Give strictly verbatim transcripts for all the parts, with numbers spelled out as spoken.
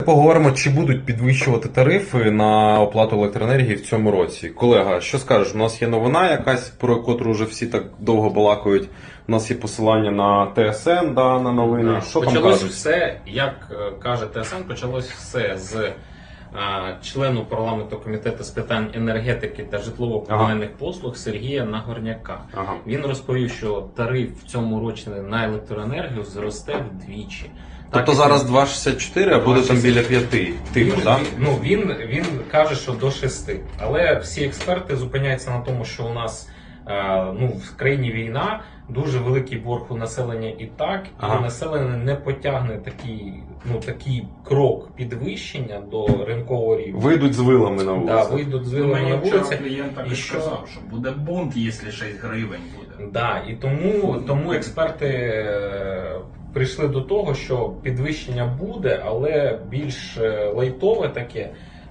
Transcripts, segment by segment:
Поговоримо, чи будуть підвищувати тарифи на оплату електроенергії в цьому році. Колега, що скажеш? У нас є новина якась, про котру вже всі так довго балакають. У нас є посилання на ТСН, да, на новини. Да. Що там почалось кажуть? все, як е, каже ТСН, почалось все з е, члену парламенту комітету з питань енергетики та житлово-комунальних ага. послуг Сергія Нагорняка. Ага. Він розповів, що тариф в цьому році на електроенергію зросте вдвічі. Тобто зараз два шістдесят чотири, а буде там біля п'яти. Типу, він, да? ну, він, він каже, що до шести. Але всі експерти зупиняються на тому, що у нас е, ну, в країні війна, дуже великий борг у населення і так, ага. і населення не потягне такий, ну, такий крок підвищення до ринкового рівня. Вийдуть з вилами на вулиці. Да, вийдуть з вилами на вулиці. Клієнт так і що... сказав, що буде бунт, якщо шість гривень буде. Да, і тому, тому експерти прийшли до того, що підвищення буде, але більш лайтове таке.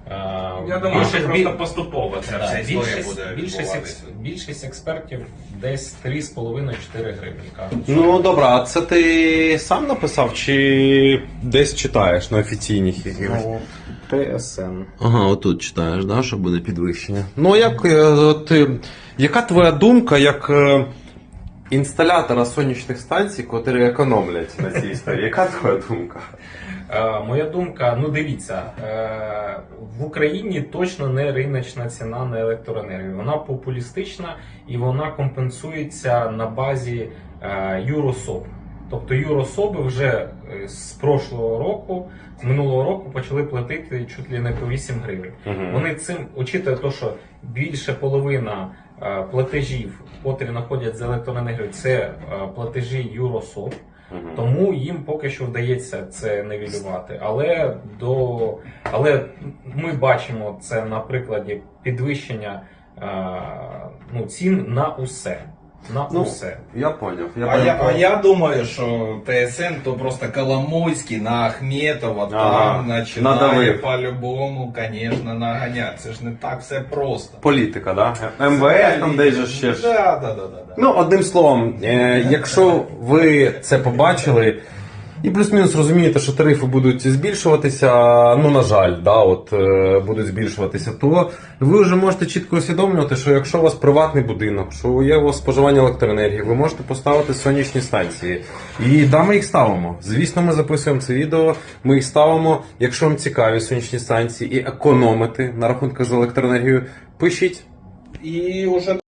Я думаю, що просто поступово ця да, вся історія більшість, буде більшість, більшість експертів десь три з половиною - чотири гривні кажуть. Ну добре, а це ти сам написав чи десь читаєш на офіційних якихось? Ну, ТСН. Ага, отут читаєш, да, що буде підвищення. Ну як ти, яка твоя думка як е, інсталятора сонячних станцій, котрі економлять на цій історії? Яка твоя думка? Е, моя думка, ну дивіться, е, в Україні точно не риночна ціна на електроенергію. Вона популістична і вона компенсується на базі е, юрособ. Тобто юрособи вже з прошлого року, з минулого року почали платити чуть ли не по вісім гривень. Uh-huh. Вони цим, учитує те, що більше половина е, платежів, котрі знаходять з електроенергією, це е, платежі юрособ. Uh-huh. Тому їм поки що вдається це нивелювати. Але, до, але ми бачимо це на прикладі підвищення е, ну, цін на усе. На ну, усе. Я поняв. Я а, поняв. я, а я думаю, що ТСН то просто Коломойський на Ахметова ага. там починає по-любому, звісно, наганяти. Це ж не так все просто. Політика, да? ем ве ес там десь же ще ж. Да, да, да, да, да. Ну, одним словом, е, якщо ви це побачили, і плюс-мінус розумієте, що тарифи будуть збільшуватися, ну, на жаль, да, от, е, будуть збільшуватися, то ви вже можете чітко усвідомлювати, що якщо у вас приватний будинок, що є у вас споживання електроенергії, ви можете поставити сонячні станції. І да, ми їх ставимо. Звісно, ми записуємо це відео, ми їх ставимо. Якщо вам цікаві сонячні станції і економити на рахунках з електроенергією, пишіть. І вже